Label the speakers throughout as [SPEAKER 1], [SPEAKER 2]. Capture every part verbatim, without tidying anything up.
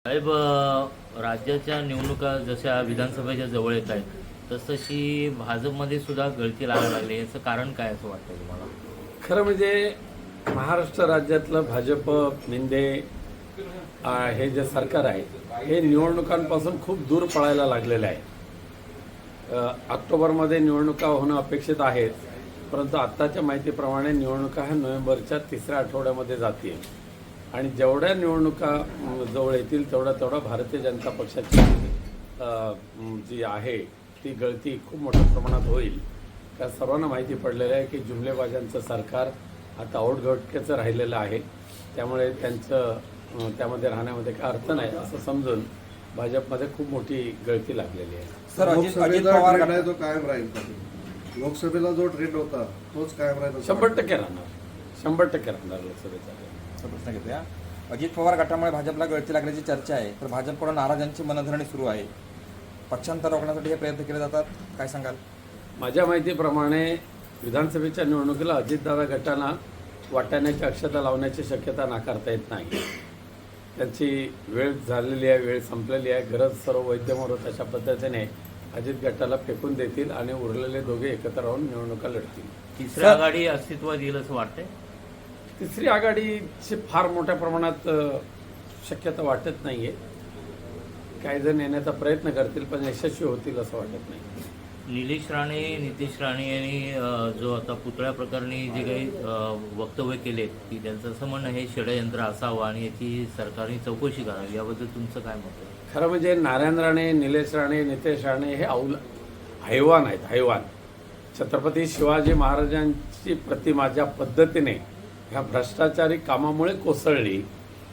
[SPEAKER 1] साहेब, अ, राज्याच्या निवडणुका जशा विधानसभेच्या जवळ येत आहेत तसतशी भाजपमध्ये सुद्धा गळती लागायला लागली. याचं कारण काय असं वाटतं तुम्हाला?
[SPEAKER 2] खरं म्हणजे महाराष्ट्र राज्यातलं भाजप मिंदे आ, हे जे सरकार आहे हे निवडणुकांपासून खूप दूर पळायला लागलेलं आहे. अ, ऑक्टोबरमध्ये निवडणुका होणं अपेक्षित आहेत, परंतु आत्ताच्या माहितीप्रमाणे निवडणुका ह्या नोव्हेंबरच्या तिसऱ्या आठवड्यामध्ये जातील आणि जेवढ्या निवडणुका अम, जवळ येतील तेवढा तेवढा भारतीय जनता पक्षाची अ, म, जी आहे ती गळती खूप मोठ्या प्रमाणात होईल. त्या सर्वांना माहिती पडलेलं आहे की जुमलेबाजांचं सरकार आता औटघटकेचं राहिलेलं आहे, त्यामुळे त्यांचं अ, त्यामध्ये राहण्यामध्ये काय अर्थ नाही असं समजून भाजपमध्ये खूप मोठी गळती लागलेली आहे.
[SPEAKER 3] सर, अजित अजित
[SPEAKER 4] लोकसभेचा
[SPEAKER 3] पवार
[SPEAKER 4] ट्रेंड आहे तो कायम राहील का? लोकसभेला जो ट्रेंड होता तोच कायम राहील.
[SPEAKER 2] शंभर टक्के राहणार शंभर टक्के राहणार लोकसभेचा
[SPEAKER 3] असा प्रश्न घेतोया. अजित पवार गटामुळे भाजपला गळती लागल्याची चर्चा आहे, तर भाजपकडून नाराजांची मनधरणी सुरू आहे. पक्षांतर रोखण्यासाठी हे प्रयत्न केले जातात, काय सांगाल?
[SPEAKER 2] माझ्या माहितीप्रमाणे विधानसभेच्या निवडणुकीला अजितदादा गटांना वाटाण्याची अक्षता लावण्याची शक्यता नाकारता येत नाही. त्यांची वेळ झालेली आहे, वेळ संपलेली आहे. गरज सर्व वैद्यमोरत अशा पद्धतीने अजित गटाला फेकून देतील आणि उरलेले दोघे एकत्र राहून निवडणुका लढतील.
[SPEAKER 1] तिसरी आघाडी अस्तित्वात येईल असं वाटतंय?
[SPEAKER 2] तिसरी आघाडीची फार मोठ्या प्रमाणात अ, शक्यता वाटत नाही आहे. काही जण येण्याचा प्रयत्न करतील पण यशस्वी होतील असं वाटत नाही.
[SPEAKER 1] निलेश राणे, नितेश राणे यांनी अ, जो आता पुतळ्या प्रकरणी जे काही अ, वक्तव्य केले की त्यांचं असं म्हणणं हे षडयंत्र असावं आणि याची सरकारने चौकशी करावी, याबद्दल तुमचं काय मत आहे?
[SPEAKER 2] खरं म्हणजे नारायण राणे, निलेश राणे, नितेश राणे हे औल हैवान आहेत, हैवान. छत्रपती शिवाजी महाराजांची प्रतिमा ज्या पद्धतीने ह्या भ्रष्टाचारी कामामुळे कोसळली,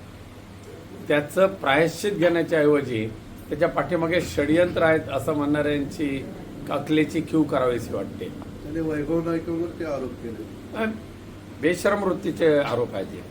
[SPEAKER 2] त्याचं प्रायश्चित घेण्याच्या ऐवजी त्याच्या पाठीमागे षडयंत्र आहेत असं म्हणणाऱ्यांची अकलेची क्यू करावीशी वाटते.
[SPEAKER 4] त्याने वैभव नाईकवर ते आरोप केले.
[SPEAKER 2] बेशरम वृत्तीचे आरोप आहेत हे.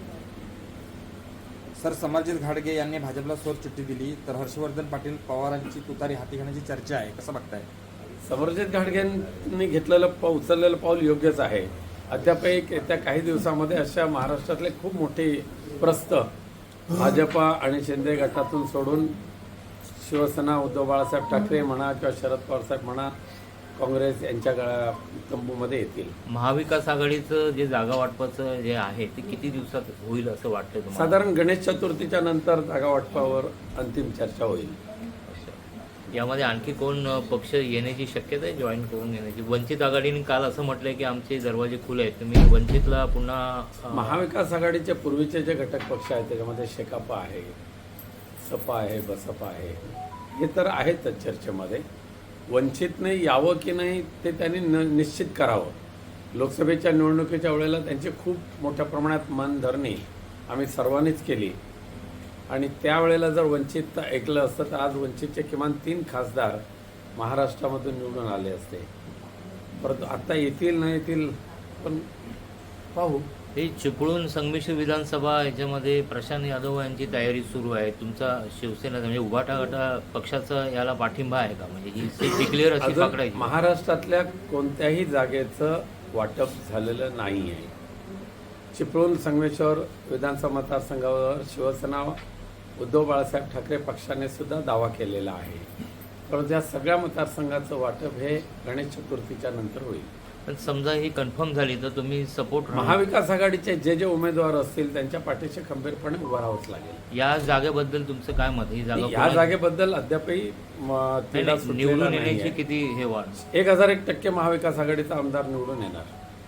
[SPEAKER 3] सर, समरजित घाटगे यांनी भाजपला सोर चिठ्ठी दिली, तर हर्षवर्धन पाटील पवारांची तुतारी हाती घेण्याची चर्चा आहे, कसं बघताय?
[SPEAKER 2] समरजित घाटगेंनी घेतलेलं पाऊल उचललेलं पाऊल योग्यच आहे. अद्याप एक येत्या काही दिवसामध्ये अशा महाराष्ट्रातले खूप मोठी प्रस्त भाजपा आणि शिंदे गटातून सोडून शिवसेना, उद्धव बाळासाहेब ठाकरे म्हणा किंवा शरद पवार साहेब म्हणा, काँग्रेस यांच्या गळा तंबूमध्ये येतील.
[SPEAKER 1] महाविकास आघाडीचं जे जागा वाटपाचं जे आहे ते किती दिवसात होईल असं वाटतं तुम्हाला?
[SPEAKER 2] साधारण गणेश चतुर्थीच्या नंतर जागा वाटपावर अंतिम चर्चा होईल.
[SPEAKER 1] यामध्ये आणखी कोण अ, पक्ष येण्याची शक्यता आहे, जॉईन करून येण्याची? वंचित आघाडीने काल असं म्हटलंय की आमचे दरवाजे खुले आहेत, तुम्ही वंचितला पुन्हा अ,
[SPEAKER 2] महाविकास आघाडीचे पूर्वीचे जे घटक पक्ष आहेत त्याच्यामध्ये शेकापा आहे, सपा आहे, बसपा आहे, हे तर आहेतच चर्चेमध्ये. वंचितने यावं की नाही ते त्यांनी न निश्चित करावं. लोकसभेच्या निवडणुकीच्या वेळेला त्यांची खूप मोठ्या प्रमाणात मनधरणी आम्ही सर्वांनीच केली आणि त्यावेळेला जर वंचित ऐकलं असतं तर आज वंचितचे किमान तीन खासदार महाराष्ट्रामधून निवडून आले असते. परंतु आता येतील न येतील पण पाहू.
[SPEAKER 1] हे चिपळूण संमिश्र विधानसभा याच्यामध्ये प्रशांत यादव यांची तयारी सुरू आहे. तुमचा शिवसेना म्हणजे उभाटा गटा पक्षाचा याला पाठिंबा आहे का? म्हणजे ही सीट डिक्लेअर अशी
[SPEAKER 2] अजून
[SPEAKER 1] पकडायची?
[SPEAKER 2] महाराष्ट्रातल्या कोणत्याही जागेचं वाटप झालेलं नाही आहे. चिपळूण संगमेश्वर विधानसभा मतदारसंघावर शिवसेना, उद्धव बाळासाहेब ठाकरे पक्षाने सुद्धा दावा केलेला आहे. परंतु या सगळ्या मतदारसंघाचं वाटप हे गणेश चतुर्थीच्या नंतर होईल.
[SPEAKER 1] पण समजा ही कन्फर्म झाली तर तुम्ही सपोर्ट
[SPEAKER 2] महाविकास आघाडीचे जे जे उमेदवार असतील त्यांच्या पाठीशी खंबीरपणे उभं राहावंच लागेल.
[SPEAKER 1] या जागेबद्दल तुमचं काय मत? ही जागा
[SPEAKER 2] या
[SPEAKER 1] कोणाला-
[SPEAKER 2] जागेबद्दल अद्यापही म,
[SPEAKER 1] नाही,
[SPEAKER 2] तिढा
[SPEAKER 1] नाही,
[SPEAKER 2] सुटलेला
[SPEAKER 1] निवडून
[SPEAKER 2] नाहीये.
[SPEAKER 1] येण्याची किती हे वाढ?
[SPEAKER 2] एक हजार एक टक्के महाविकास आघाडीचा आमदार निवडून येणार.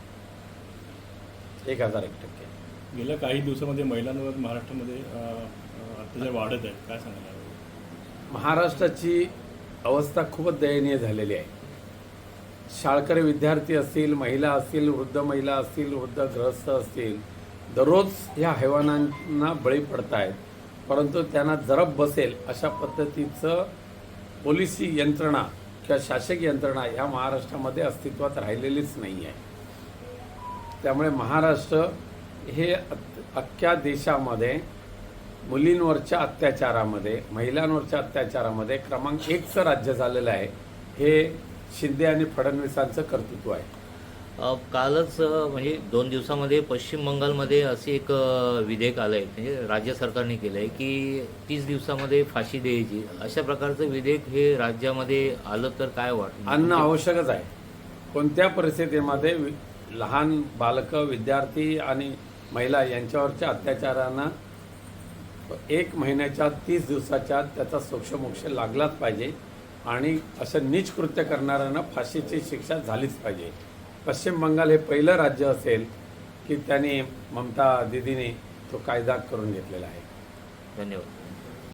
[SPEAKER 2] एक हजार एक टक्के.
[SPEAKER 5] गेल्या काही दिवसामध्ये महिलांवर महाराष्ट्रामध्ये अ, अ, अत्याचार वाढत आहेत, काय सांगायला?
[SPEAKER 2] महाराष्ट्राची अवस्था खूपच दयनीय झालेली आहे. शाळकरी विद्यार्थी असतील, महिला असतील, वृद्ध महिला असतील, वृद्ध ग्रस्त असतील, दररोज ह्या हैवानांना बळी पडत आहेत. परंतु त्यांना जरब बसेल अशा पद्धतीचं पोलिसी यंत्रणा किंवा शासकीय यंत्रणा ह्या महाराष्ट्रामध्ये अस्तित्वात राहिलेलीच नाही आहे. त्यामुळे महाराष्ट्र हे अख्ख्या देशामध्ये मुलींवरच्या अत्याचारामध्ये, महिलांवरच्या अत्याचारामध्ये क्रमांक एकचं राज्य झालेलं आहे. हे शिंदे आणि फडणवीसांचं कर्तृत्व आहे.
[SPEAKER 1] अ, कालच अ, म्हणजे दोन दिवसामध्ये पश्चिम बंगालमध्ये असे एक अ, विधेयक आलं आहे, म्हणजे राज्य सरकारने केलं आहे की तीस दिवसामध्ये फाशी द्यायची. अशा प्रकारचं विधेयक हे राज्यामध्ये आलं तर काय वाटतं?
[SPEAKER 2] आणणं आवश्यकच आहे. कोणत्या परिस्थितीमध्ये वि- लहान बालकं, विद्यार्थी आणि महिला यांच्यावरच्या अत्याचारांना एक महिन्याच्या तीस दिवसाच्या त्याचा सोक्षमोक्ष लागलाच पाहिजे आणि असं नीच कृत्य करणाऱ्यांना फाशीची शिक्षा झालीच पाहिजे. पश्चिम बंगाल हे पहिलं राज्य असेल की त्यांनी ममता दिदीने तो कायदा करून घेतलेला आहे.
[SPEAKER 1] धन्यवाद.